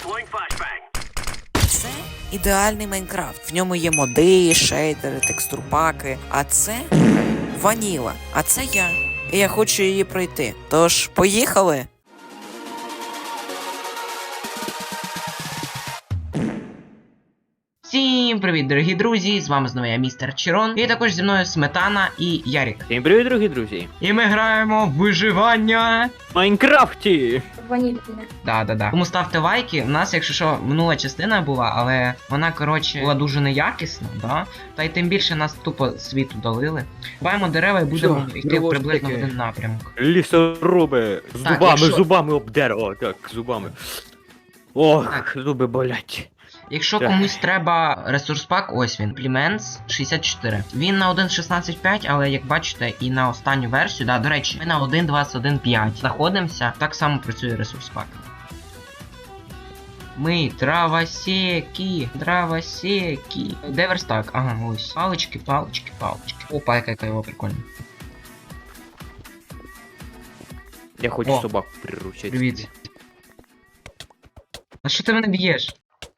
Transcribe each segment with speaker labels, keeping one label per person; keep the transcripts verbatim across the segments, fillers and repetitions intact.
Speaker 1: Це ідеальний Майнкрафт. В ньому є моди, шейдери, текстурпаки. А це ваніла. А це я. І я хочу її пройти. Тож, поїхали!
Speaker 2: Всім привіт, дорогі друзі! З вами знову я, містер Чирон. І також зі мною Сметана і Ярік.
Speaker 3: Всім привіт, дорогі друзі!
Speaker 2: І ми граємо в виживання
Speaker 3: В Майнкрафті!
Speaker 4: Ванільне.
Speaker 2: Да, да, да. Тому ставте лайки. У нас, якщо що, минула частина була, але вона, коротше, була дуже неякісна, да? Та й тим більше нас тупо світу долили. Буваємо дерева і будемо
Speaker 3: Що?
Speaker 2: йти
Speaker 3: Дерево
Speaker 2: приблизно в
Speaker 3: таке.
Speaker 2: один напрямок.
Speaker 3: Лісоруби! З
Speaker 2: Так,
Speaker 3: зубами,
Speaker 2: якщо-
Speaker 3: зубами об дерево, так, зубами. Ох,
Speaker 2: Так.
Speaker 3: зуби болять.
Speaker 2: Якщо
Speaker 3: Так.
Speaker 2: комусь треба ресурс пак, ось він, Implements шістдесят чотири. Він на один шістнадцять п'ять, але як бачите, і на останню версію, да, до речі, ми на один двадцять один п'ять знаходимося, так само працює ресурс пак. Ми травосеки, травосеки. Де верстак? Ага, ось. Палички, палички, палички. Опа, яка яка його прикольна.
Speaker 3: Я хочу
Speaker 2: О.
Speaker 3: собаку приручити.
Speaker 2: Привіт. А що ти мене б'єш?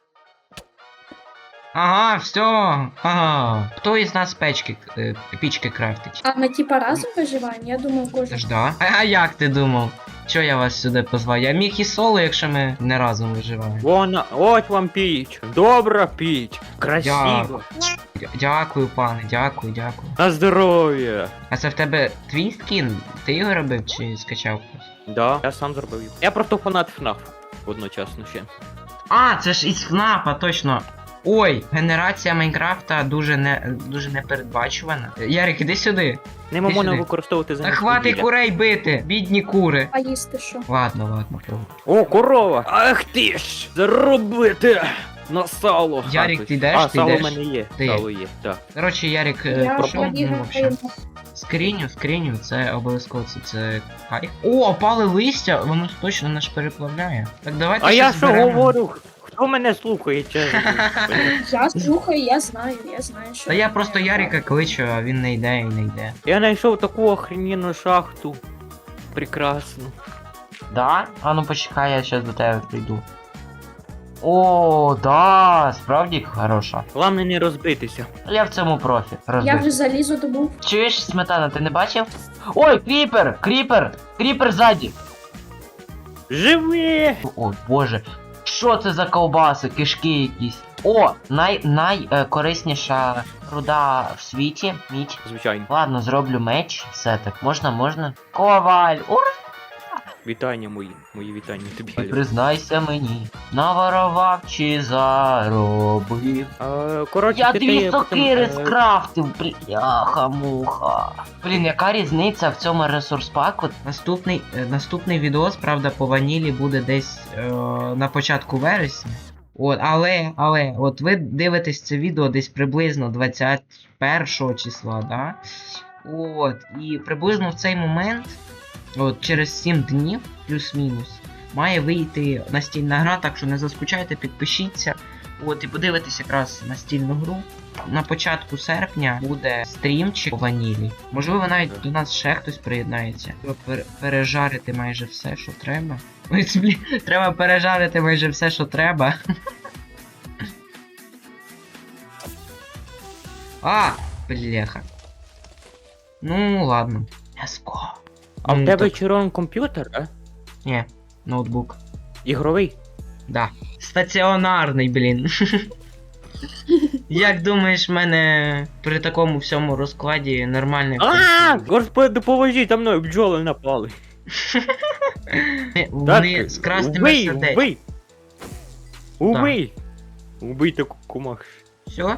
Speaker 2: Ага, все. Ага. Хто із нас печки, е, пічки крафтить?
Speaker 4: А ми типа разом виживаємо? Я думаю,
Speaker 2: Це
Speaker 4: кожен.
Speaker 2: ж да. А, а як ти думав? Чо я вас сюди позвав? Я міг і соло, якщо ми не разом виживаємо.
Speaker 3: Вона, ось вам піч. Добра піч. Красиво.
Speaker 2: Дя- Дякую, пане, дякую, дякую.
Speaker 3: На здоров'я.
Speaker 2: А це в тебе твій скін? Ти його робив чи скачав просто?
Speaker 3: Да, я сам зробив його. Я просто фанат ФНАФ. Одночасно ще.
Speaker 2: А, це ж із ФНАФа, точно. Ой, генерація Майнкрафта дуже не дуже непередбачувана. Ярик, іди сюди.
Speaker 3: Нема
Speaker 2: Ти
Speaker 3: можна
Speaker 2: сюди.
Speaker 3: використовувати
Speaker 2: Та
Speaker 3: замість
Speaker 2: хвати
Speaker 3: вугілля.
Speaker 2: курей бити, бідні кури.
Speaker 4: А їсти що?
Speaker 2: Ладно, ладно, про.
Speaker 3: О, корова! Ах ти ж! Заробити! На сало!
Speaker 2: Ярик,
Speaker 3: хапать.
Speaker 2: ти йдеш?
Speaker 3: А,
Speaker 2: Ти
Speaker 3: сало в
Speaker 2: йдеш?
Speaker 3: мене є.
Speaker 2: Ти.
Speaker 3: Сало є, так.
Speaker 2: Коротше, Ярик, е,
Speaker 4: Я
Speaker 2: про що? Ну,
Speaker 4: побігла
Speaker 2: вообще. Скриню, скриню, це обов'язково це, це кайф. О, опали листя, воно точно нас переплавляє. Так давайте
Speaker 3: А я
Speaker 2: щось
Speaker 3: що
Speaker 2: зберемо.
Speaker 3: говорю? Хто мене слухає, чесно?
Speaker 4: Я слухаю, я знаю, я знаю, що.
Speaker 2: Та я просто Ярика кличу, а він не йде і не йде.
Speaker 3: Я знайшов таку охрененну шахту. Прекрасно.
Speaker 2: Да? А ну почекай, я зараз до тебе прийду. О, да, справді хороша.
Speaker 3: Головне не розбитися.
Speaker 2: Я в цьому профі.
Speaker 4: Я
Speaker 2: Розбив.
Speaker 4: вже залізу добув.
Speaker 2: Чуєш, Сметана, ти не бачив? Ой, кріпер! Кріпер! Кріпер ззаді!
Speaker 3: Живи!
Speaker 2: О, боже. Що це за ковбаси, кишки якісь? О, най, найкорисніша руда в світі, мідь.
Speaker 3: Звичайно.
Speaker 2: Ладно, зроблю меч, все так. Можна, можна. Коваль! Ура!
Speaker 3: Вітання мої. Мої вітання тобі.
Speaker 2: Признайся мені, наворовав чи заробив.
Speaker 3: А, коротше,
Speaker 2: Я
Speaker 3: ти
Speaker 2: дві
Speaker 3: ти
Speaker 2: сокири
Speaker 3: потім, е,
Speaker 2: скрафтив, бляха-муха. Блін, яка різниця в цьому ресурс паку? Наступний, е, наступний відос, правда, по ванілі буде десь е, на початку вересня. От, але, але, от ви дивитесь це відео десь приблизно двадцять першого числа, да? От, і приблизно в цей момент, от через сім днів, плюс-мінус, має вийти настільна гра, так що не заскучайте, підпишіться. От, і подивитись якраз настільну гру. На початку серпня буде стрімчик по ванілі. Можливо, навіть до нас ще хтось приєднається. Треба пер- пережарити майже все, що треба. Ой, це, блін, треба пережарити майже все, що треба. А, бляха. Ну, ладно. Let's go.
Speaker 3: А в
Speaker 2: Ну,
Speaker 3: тебе
Speaker 2: так.
Speaker 3: червоний комп'ютер, а?
Speaker 2: Ні, ноутбук.
Speaker 3: Ігровий?
Speaker 2: Да. Стаціонарний, блін. Як думаєш, в мене при такому всьому розкладі нормальний
Speaker 3: А,
Speaker 2: комп'ютер?
Speaker 3: господи, поможіть, за мною бджоли напали.
Speaker 2: Вони з красними
Speaker 3: убий,
Speaker 2: сердечками.
Speaker 3: убий! Убий! Убий таку кумах.
Speaker 2: Все?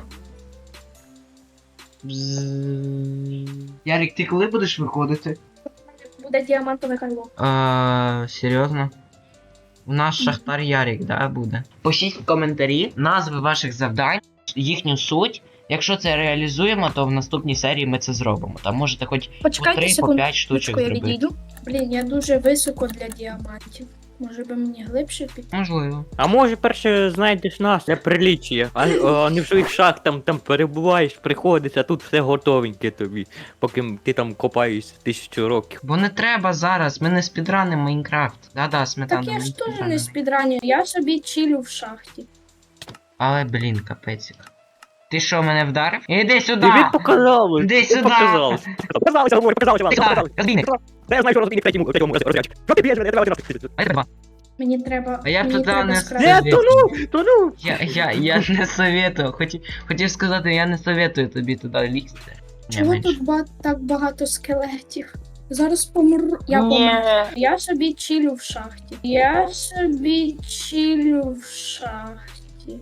Speaker 2: Ярик, ти коли будеш виходити?
Speaker 4: Буде діамантове кайло.
Speaker 2: А, серйозно? У нас шахтар Ярик, да, буде? Пишіть в коментарі назви ваших завдань, їхню суть. Якщо це реалізуємо, то в наступній серії ми це зробимо. Там можете хоч по
Speaker 4: Почекайте
Speaker 2: три, по
Speaker 4: секунду.
Speaker 2: п'ять штучок
Speaker 4: я
Speaker 2: зробити.
Speaker 4: відійду. Блін, я дуже високо для діамантів. Може би мені глибше піти?
Speaker 2: Можливо.
Speaker 3: А може перше знайдеш нас для приліччя, а, а не в своїх шахтах там перебуваєш, приходиш, а тут все готовеньке тобі, поки ти там копаєшся тисячу років.
Speaker 2: Бо не треба зараз, ми не спідранимо Майнкрафт. Да-да, сметана.
Speaker 4: Так я
Speaker 2: ми
Speaker 4: ж теж
Speaker 2: спідранимо.
Speaker 4: не спідраню, я собі чилю в шахті.
Speaker 2: Але, блін, капецик. Ти що, мене вдарив? Іди сюди!
Speaker 3: Тобі показалось!
Speaker 2: Іди
Speaker 3: тобі
Speaker 2: сюди!
Speaker 3: Показалось! Показалося, говорю, показалося вам!
Speaker 2: Ти
Speaker 3: Показалось!
Speaker 2: розбійник!
Speaker 3: Та я знаю, що розбійник в третьому, в третьому розряді. Що ти б'єш мене? Давай, давай, давай.
Speaker 2: А я тебе.
Speaker 4: Мені треба.
Speaker 2: А я
Speaker 4: мені
Speaker 2: туди
Speaker 4: треба
Speaker 2: не
Speaker 4: скрабити.
Speaker 3: Не, тону! Тону!
Speaker 2: Я, я, я не советую. Хотів, хотів сказати, я не советую тобі туди лізти. Не
Speaker 4: Чого
Speaker 2: менше.
Speaker 4: тут ба- так багато скелетів? Зараз помру. Я
Speaker 2: Ні.
Speaker 4: помру. Я собі чилю в шахті. Я собі чилю в шахті.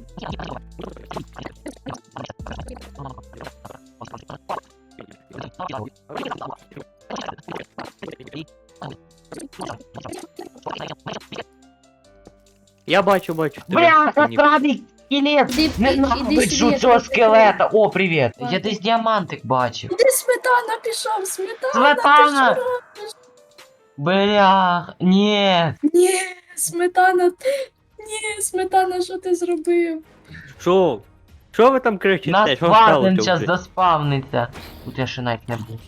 Speaker 3: Я бачу, бачу. тебе.
Speaker 2: Бляха,
Speaker 3: Ні.
Speaker 2: сраний скелет!
Speaker 4: Іди, іди
Speaker 2: Ненавиджу
Speaker 4: сюди,
Speaker 2: цього
Speaker 4: я тебе
Speaker 2: скелета! О, привіт!
Speaker 4: Ладно.
Speaker 2: Я десь діамантик бачив.
Speaker 4: Куди сметана пішов? Сметана,
Speaker 2: Сметана!
Speaker 4: ти що робиш?
Speaker 2: Блях, ні.
Speaker 4: Ні, сметана, ти. Ні, сметана, що ти зробив?
Speaker 3: Що? Що ви там кричите?
Speaker 2: Нас
Speaker 3: Що
Speaker 2: варден
Speaker 3: сталося
Speaker 2: час
Speaker 3: вже?
Speaker 2: заспавниться. Тут я ще навіть не був.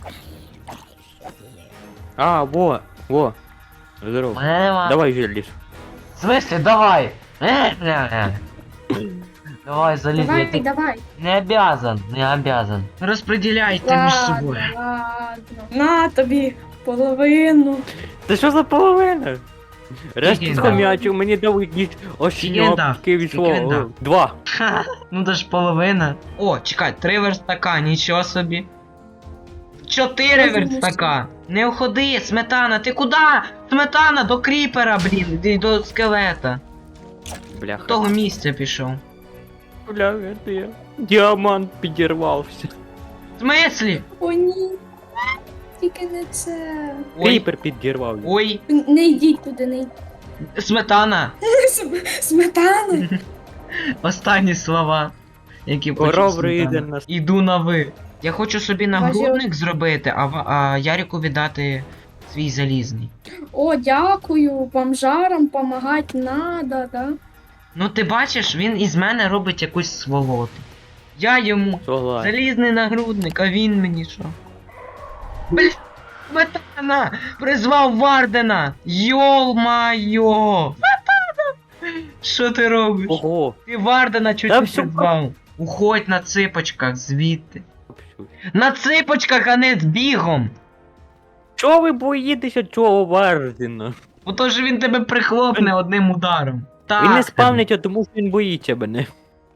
Speaker 3: А, во, во. Здорово.
Speaker 2: Мене нема.
Speaker 3: Давай желіз.
Speaker 2: В смысле, давай! Е, бля, бля. Давай, залізь, я
Speaker 4: Давай,
Speaker 2: тут
Speaker 4: давай.
Speaker 2: не обязан, не обязан. Розподіляйте між
Speaker 4: Ладно,
Speaker 2: собою.
Speaker 4: ладно. На тобі половину.
Speaker 3: Це що за половина? Решті
Speaker 2: Скільки
Speaker 3: схомячив, мені дав якісь
Speaker 2: Скільки він дав?
Speaker 3: ошньопки
Speaker 2: Скільки він
Speaker 3: війшло.
Speaker 2: дав?
Speaker 3: Два.
Speaker 2: Ха, ну це ж половина. О, чекай, три верстака, нічого собі. Чотири
Speaker 4: Я думаю,
Speaker 2: верстака. Не уходи, сметана, ти куди? Сметана, до кріпера, блін, іди до скелета.
Speaker 3: Бляха.
Speaker 2: Того місця пішов.
Speaker 3: Бля, це я. Діамант підірвався.
Speaker 2: В смислі?
Speaker 4: О, ні. Тільки не це.
Speaker 2: Ой,
Speaker 3: Кріпер підірвав.
Speaker 2: ой,
Speaker 4: Не йдіть туди, не йдіть.
Speaker 2: сметана.
Speaker 4: См- Сметана.
Speaker 2: Останні слова, які
Speaker 3: Коров
Speaker 2: почув
Speaker 3: рийде
Speaker 2: сметана.
Speaker 3: нас.
Speaker 2: Іду на ви. Я хочу собі
Speaker 4: Бачу.
Speaker 2: нагрудник зробити, а, ва- а Ярику віддати свій залізний.
Speaker 4: О, дякую. Бомжарам помагати надо, да?
Speaker 2: Ну ти бачиш, він із мене робить якусь сволоту. Я йому
Speaker 3: Согласен.
Speaker 2: залізний нагрудник, а він мені що? Бля, сметана! Призвав Вардена! Йол-майо! Сметана! Що ти робиш?
Speaker 3: Ого.
Speaker 2: Ти Вардена чуть
Speaker 3: Та
Speaker 2: не
Speaker 3: всё
Speaker 2: призвав. Уходь на ципочках звідти. На ципочках, а не з бігом!
Speaker 3: Чого ви боїтеся цього Вардена?
Speaker 2: Бо то ж він тебе прихлопне одним ударом. Так.
Speaker 3: Він не спавниться, тому що він боїться мене.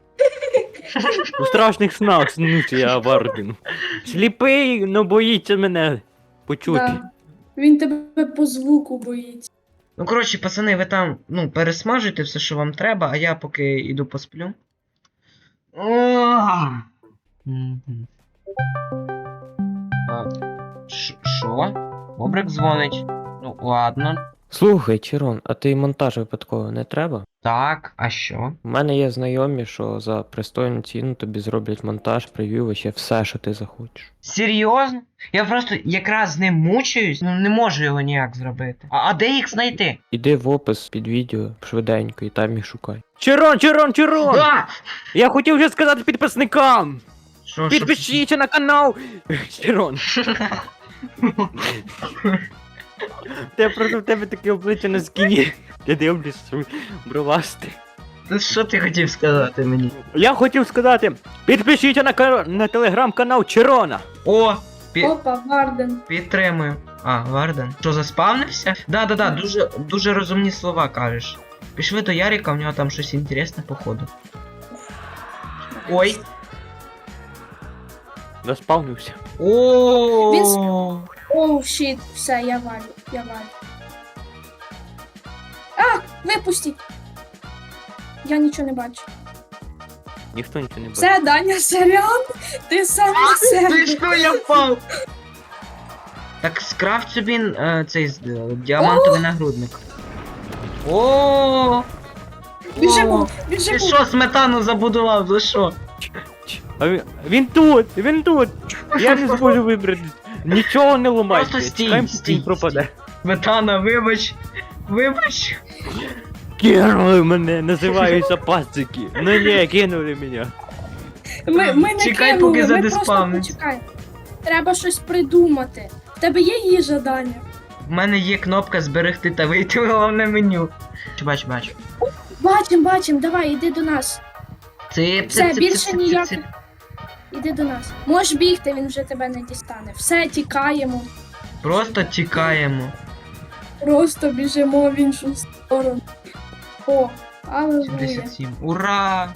Speaker 3: У страшних снах снуся я Варден. Сліпий, но боїться мене почути.
Speaker 4: Да. Він тебе по звуку боїться.
Speaker 2: Ну, коротше, пацани, ви там, ну, пересмажуйте все, що вам треба, а я поки йду посплю. Ох. Мгм. А, ш- Що? Бобрик дзвонить. Ну, ладно.
Speaker 5: Слухай, Чирон, а ти монтаж випадково не треба?
Speaker 2: Так, а що?
Speaker 5: У мене є знайомі, що за пристойну ціну тобі зроблять монтаж, прев'ю, вообще все, що ти захочеш.
Speaker 2: Серйозно? Я просто якраз з ним мучаюсь, ну не можу його ніяк зробити. А, а де їх знайти?
Speaker 5: Іди в опис під відео швиденько і там їх шукай.
Speaker 3: Чирон, Чирон, Чирон!
Speaker 2: А!
Speaker 3: Я хотів вже сказати підписникам!
Speaker 2: Що, що?
Speaker 3: Підпишіться на канал! Чирон, те просто в тебе таке обличчя на скіні. Я дивлюсь, що бровасти.
Speaker 2: Ну, що ти хотів сказати мені?
Speaker 3: Я хотів сказати, підпишіться на, кар... на телеграм-канал Чирона.
Speaker 2: О! Пі...
Speaker 4: Опа, Варден.
Speaker 2: Підтримую. А, Варден. Що, заспавнився? Да-да-да, дуже, дуже розумні слова кажеш. Пішли до Ярика, в нього там щось інтересне, походу. Ой.
Speaker 3: Заспавнився.
Speaker 2: О.
Speaker 4: Оу, щит, все, я валю, я валю. А, випустіть. Я нічого не бачу.
Speaker 3: Ніхто нічого не бачить.
Speaker 4: Все, Даня, сорян, ти сам на себе.
Speaker 2: Ти що, я впав? Так скрафт собі е, цей з- е, діамантовий нагрудник. О!
Speaker 4: Біжимо,
Speaker 2: Ти
Speaker 4: біжимо.
Speaker 2: що, сметану забудував, за що?
Speaker 3: А він, він тут, він тут. Я не зможу вибрати. Нічого не ламайте.
Speaker 2: Просто стій,
Speaker 3: Чекаємо,
Speaker 2: стій,
Speaker 3: він пропаде.
Speaker 2: Сметана, вибач. Вибач.
Speaker 3: Кинули мене, називаються пацики. Ну ні, кинули мене.
Speaker 4: Ми, ми не
Speaker 2: Чекай,
Speaker 4: кинули,
Speaker 2: поки
Speaker 4: ми
Speaker 2: задиспавниться.
Speaker 4: просто почекай. Треба щось придумати. В тебе є їжа, Даня?
Speaker 2: У мене є кнопка зберегти та вийти в головне меню. Бач, бач.
Speaker 4: Бачим, бачим, давай, іди до нас.
Speaker 2: Цip,
Speaker 4: Все,
Speaker 2: цip, цip,
Speaker 4: більше
Speaker 2: цip, цip,
Speaker 4: ніяких.
Speaker 2: цip.
Speaker 4: Іди до нас. Можеш бігти, він вже тебе не дістане. Все, тікаємо.
Speaker 2: Просто тікаємо.
Speaker 4: Просто біжимо в іншу сторону. О, алелуя.
Speaker 2: сімдесят сім. Ура!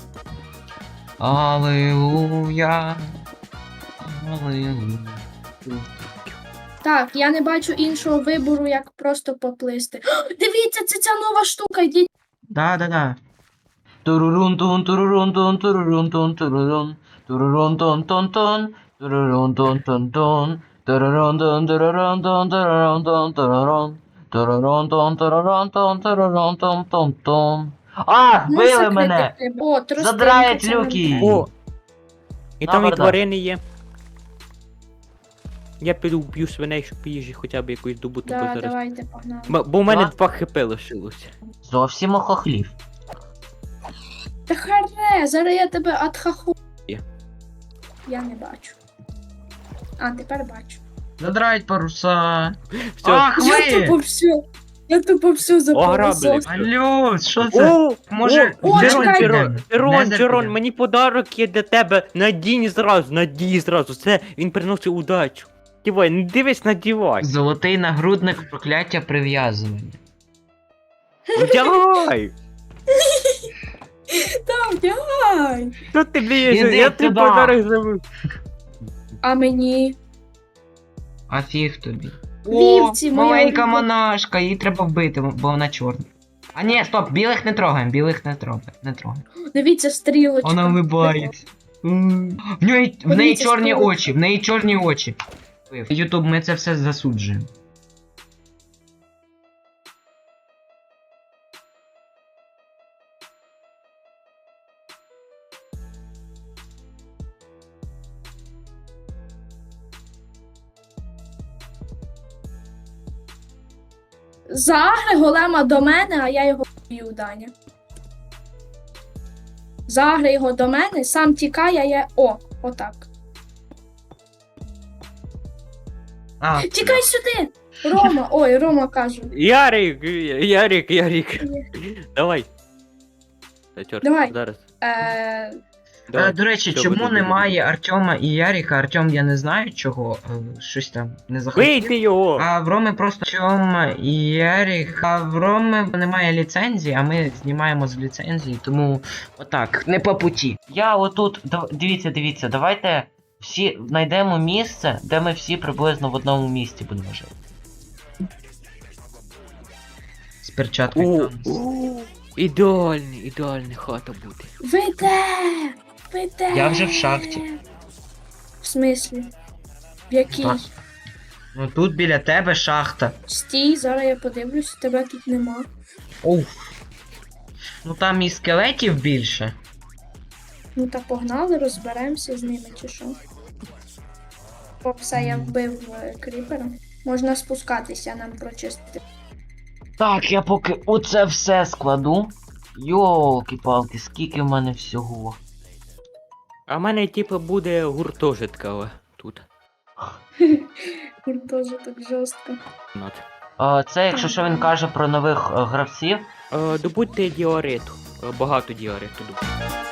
Speaker 2: Аллилуйя. Аллилуйя.
Speaker 4: Так, я не бачу іншого вибору, як просто поплисти. О, дивіться, це ця нова штука, йдіть.
Speaker 2: Да, да, да. Турурун тун турурун тун турурун тун турурун. Турурун тун тун тун. Турурун тун тун тун. Турурун тун турурун тун турурун тун турурун. Турурун тун турурун тун турурун тун тун тун. А,
Speaker 4: Ну,
Speaker 2: вбили
Speaker 4: закрити
Speaker 2: мене!
Speaker 4: треба. О, тростинка,
Speaker 2: Задрають
Speaker 4: це нам
Speaker 2: люки.
Speaker 4: треба.
Speaker 3: О! І там і
Speaker 2: Добре, да.
Speaker 3: тварини є. Я піду вб'ю свиней, щоб їжі хоча б якусь добуту
Speaker 4: Да,
Speaker 3: зараз.
Speaker 4: давайте, погнали.
Speaker 3: М- Бо в мене
Speaker 2: Да.
Speaker 3: два хп лишилося.
Speaker 2: Зовсім охохлів.
Speaker 4: Та харе, зараз я тебе атхаху.
Speaker 3: Є.
Speaker 4: Я не бачу. А, тепер бачу.
Speaker 2: Задрають паруса.
Speaker 3: Все.
Speaker 2: Ах
Speaker 4: Я тупо
Speaker 2: ви!
Speaker 4: все. Я тупо все
Speaker 3: Ограбили.
Speaker 4: запоросов.
Speaker 2: Алло, що це?
Speaker 3: О,
Speaker 2: Може,
Speaker 4: о,
Speaker 3: Джерон,
Speaker 4: чекай.
Speaker 3: Джерон, Джерон,
Speaker 2: Незер
Speaker 3: Джерон,
Speaker 2: піде.
Speaker 3: мені подарок є для тебе. Надій зразу, надій зразу. Це він приносить удачу. Дівай, не дивись, надівай.
Speaker 2: Золотий нагрудник прокляття прив'язування.
Speaker 3: Вдягай!
Speaker 4: Там, давай.
Speaker 3: Що ти блієш?
Speaker 2: Іди
Speaker 3: Я тобі
Speaker 2: сюди.
Speaker 3: подарок зробив.
Speaker 4: А мені?
Speaker 2: А фіг тобі.
Speaker 4: Вівці,
Speaker 2: О,
Speaker 4: моя
Speaker 2: маленька
Speaker 4: улюблена.
Speaker 2: монашка, її треба вбити, бо вона чорна. А ні, стоп, білих не трогаємо, білих не трогаємо, не трогаємо.
Speaker 4: Дивіться, стрілочка.
Speaker 2: Вона вибається. М. В неї, в неї
Speaker 4: Дивіться,
Speaker 2: чорні
Speaker 4: стрілочка.
Speaker 2: очі, в неї чорні очі. Ютуб, ми це все засуджуємо.
Speaker 4: Загри голема до мене, а я його б'ю, Даня. Загри його до мене, сам тікає, а я. О, отак.
Speaker 2: А,
Speaker 4: Тікай сюди! Рома, ой, Рома кажу.
Speaker 3: Ярик, Ярик, Ярик. Давай. Та чорт,
Speaker 4: Давай.
Speaker 3: зараз.
Speaker 4: Е,
Speaker 3: Давай.
Speaker 2: Е, до речі,
Speaker 3: Що
Speaker 2: чому
Speaker 3: ви тут
Speaker 2: немає
Speaker 3: робите?
Speaker 2: Артема і Яріка? Артем я не знаю чого, е, щось там не захотів.
Speaker 3: Вийди його!
Speaker 2: А в Роми просто Артем і Ярік. А в Роми немає ліцензії, а ми знімаємо з ліцензії, тому отак, не по путі. Я отут, дав- дивіться, дивіться, давайте всі знайдемо місце, де ми всі приблизно в одному місці будемо жити. З перчаткою.
Speaker 3: О,
Speaker 2: Танос.
Speaker 3: о, ідеальний, ідеальний хата буде.
Speaker 4: ви де? Ви де?
Speaker 2: Я вже в шахті.
Speaker 4: В смислі? В якій?
Speaker 2: Так. Ну тут біля тебе шахта.
Speaker 4: Стій, зараз я подивлюсь, тебе тут нема.
Speaker 2: Оу. Ну там і скелетів більше.
Speaker 4: Ну та погнали, розберемося з ними чи що. О, все, я вбив е, кріпера. Можна спускатися, нам прочистити.
Speaker 2: Так, я поки оце все складу. Йолки-палки, скільки в мене всього.
Speaker 3: А в мене, типу, буде гуртожитка тут.
Speaker 4: Гуртожиток жорстко.
Speaker 3: Над.
Speaker 2: А, це якщо що він каже про нових е, гравців.
Speaker 3: Е, добудьте діориту. Е, Багато діориту добудьте.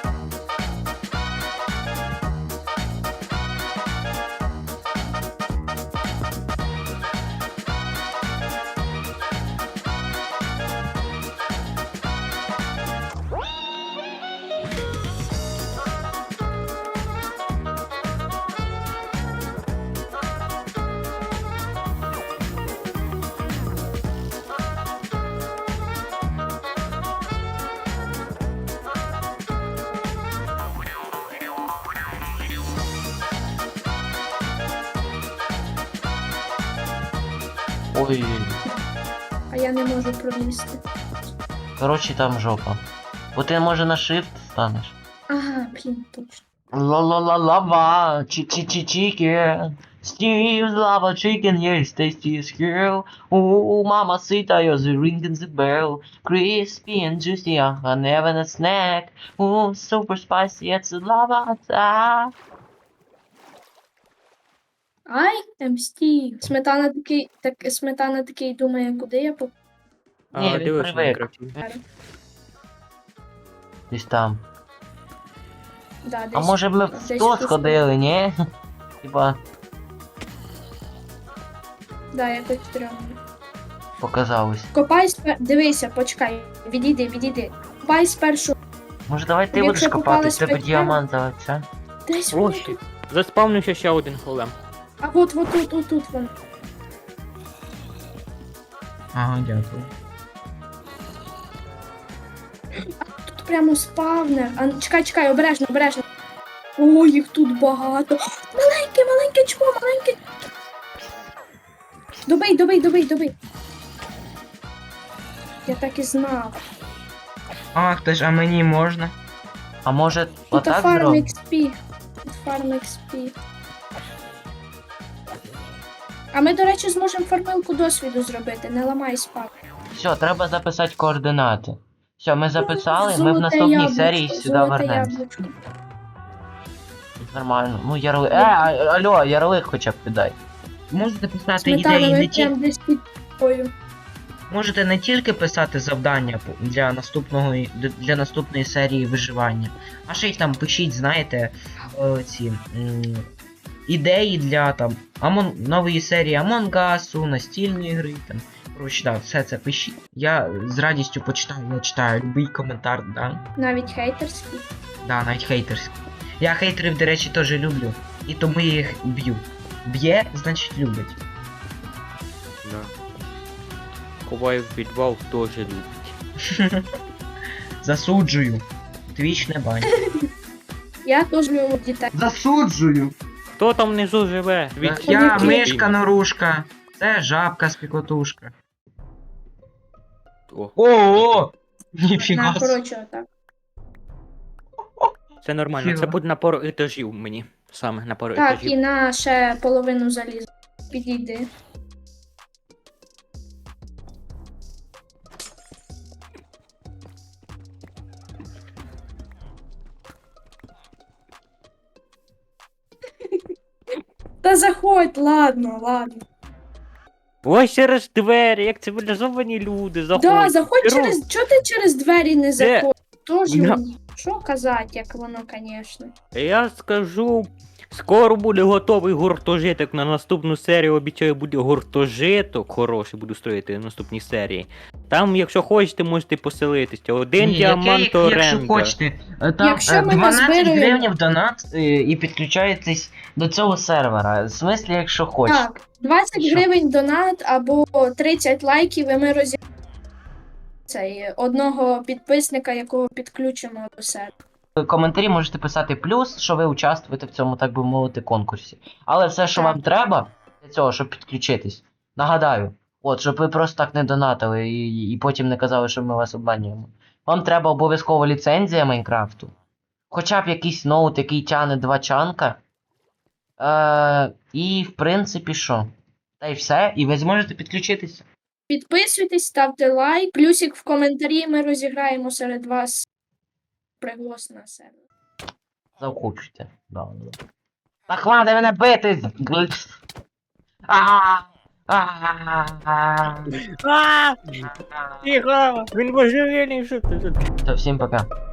Speaker 2: Ой,
Speaker 4: А я не можу пролізти.
Speaker 2: коротше там жопа. Бо ти може на shift станеш.
Speaker 4: Ага, блін, точно.
Speaker 2: Ла-ла-ла-лава, чи-чи-чи-чіки, Steve's lava chicken, yes, tastiest girl. Ooh, mama sita, you're the ringing the bell. Crispy and juicy, uh, never a snack. Ooh, super spicy, it's a lava attack.
Speaker 4: Ай, ем Стів. Сметана такий, так, сметана такий думає, куди я поп...
Speaker 2: Ні,
Speaker 3: А,
Speaker 2: він
Speaker 3: дивись в
Speaker 2: привик.
Speaker 3: Майнкрафті.
Speaker 2: Десь там.
Speaker 4: Да, десь,
Speaker 2: А може б ми в
Speaker 4: десь
Speaker 2: то
Speaker 4: тут.
Speaker 2: сходили, ні? Типа,
Speaker 4: Да, якось стрьомно.
Speaker 2: показалось.
Speaker 4: Копай спер... Дивися, почекай. Відійди, відійди. Копай спершу.
Speaker 2: Може давай ти
Speaker 4: Якщо
Speaker 2: будеш копати,
Speaker 4: попалась
Speaker 2: в тебе
Speaker 4: печера-
Speaker 2: діамантове це?
Speaker 4: Десь
Speaker 3: Ось
Speaker 4: воно
Speaker 3: ти.
Speaker 4: тут.
Speaker 3: Заспавнився ще один голем.
Speaker 4: А от, от тут, от тут воно.
Speaker 2: Ага, дякую.
Speaker 4: Тут прямо спавнер. А, чекай, чекай, обережно, обережно. О, їх тут багато. Маленьке, маленьке чмо, маленьке. Добий, добий, добий, добий. Я так і знав.
Speaker 2: Ах, ти ж, а мені можна? А може
Speaker 4: Тут
Speaker 2: отак
Speaker 4: фарм
Speaker 2: зробимо?
Speaker 4: ікс пі. Тут фарм ікс пі. А ми, до речі, зможемо фармилку досвіду зробити, не ламай спав.
Speaker 2: Все, треба записати координати. Все, ми записали, ми в
Speaker 4: Золоте
Speaker 2: наступній
Speaker 4: яблучко,
Speaker 2: серії сюди
Speaker 4: золоте
Speaker 2: вернемось.
Speaker 4: яблучко.
Speaker 2: Нормально. Ну, ярлик. Е, а- алло, ярлик хоча б піддай. Можете писати
Speaker 4: Сметана,
Speaker 2: ідеї
Speaker 4: ми
Speaker 2: не ті...
Speaker 4: прям десь під тобою.
Speaker 2: Можете не тільки писати завдання по- для наступного для наступної серії виживання, а ще й там пишіть, знаєте, е, ці м, ідеї для там Амон... нової серії Among Us, настільної гри. Там. Коротше, да, все це пишіть. Я з радістю почитаю, я читаю любий коментар, да.
Speaker 4: Навіть хейтерський.
Speaker 2: Да, навіть хейтерський. Я хейтерів, до речі, теж люблю. І тому я їх б'ю. Б'є, значить любить.
Speaker 3: Да. Ховаю в підвал, теж любить.
Speaker 2: Засуджую. Твіч не бань.
Speaker 4: Я теж люблю дітей.
Speaker 2: Засуджую!
Speaker 3: Хто там внизу живе?
Speaker 2: Так,
Speaker 3: Від-
Speaker 2: я
Speaker 4: Які?
Speaker 2: мишка норушка. Це жабка спікотушка.
Speaker 3: О,
Speaker 2: Ого!
Speaker 4: На,
Speaker 2: Ніфіга. собі.
Speaker 4: коротше, отак.
Speaker 3: це нормально, це
Speaker 2: Фіга.
Speaker 3: буде на пару етажів мені. Саме на пару
Speaker 4: Так,
Speaker 3: етажів.
Speaker 4: і на ще половину залізу. Підійди. Та заходь, ладно, ладно.
Speaker 3: Ось через двері, як цивілізовані люди, заходять.
Speaker 4: Да, заходь
Speaker 3: Беру.
Speaker 4: через. Чого ти через двері не заходиш? Тож
Speaker 3: Я-
Speaker 4: мені. Що казати, як воно, звісно.
Speaker 3: Я скажу, скоро буде готовий гуртожиток на наступну серію. Обіцяю, буде гуртожиток хороший, буду строїти в наступній серії. Там, якщо хочете, можете поселитися. Один
Speaker 2: Ні,
Speaker 3: діамант
Speaker 2: яке, як- якщо
Speaker 3: оренда.
Speaker 2: хочете. Е, Там
Speaker 4: Якщо
Speaker 2: е,
Speaker 4: ми
Speaker 2: дванадцять
Speaker 4: назбираємо-
Speaker 2: гривень донат е, і підключаєтесь до цього сервера. В смислі, якщо хочете.
Speaker 4: Так, двадцять
Speaker 2: Що?
Speaker 4: гривень донат або тридцять лайків, і ми розі... цей одного підписника, якого підключимо до себе.
Speaker 2: В коментарі можете писати плюс, що ви участвуєте в цьому, так би мовити, конкурсі. Але все, що
Speaker 4: Так.
Speaker 2: вам треба для цього, щоб підключитись, нагадаю, от, щоб ви просто так не донатили і, і потім не казали, що ми вас обманюємо. Вам треба обов'язково ліцензія Майнкрафту. Хоча б якийсь ноут, який тягне два чанка. Е, і, в принципі, що? Та й все, і ви зможете підключитися.
Speaker 4: Підписуйтесь, ставте лайк, плюсик в коментарі, ми розіграємо серед вас приглас на себе.
Speaker 2: Заохочуйте. Да, да. Та хвати мене бити! А, а, а.
Speaker 3: А, тихо, він божевільний, що ти?
Speaker 2: Все, всім пока.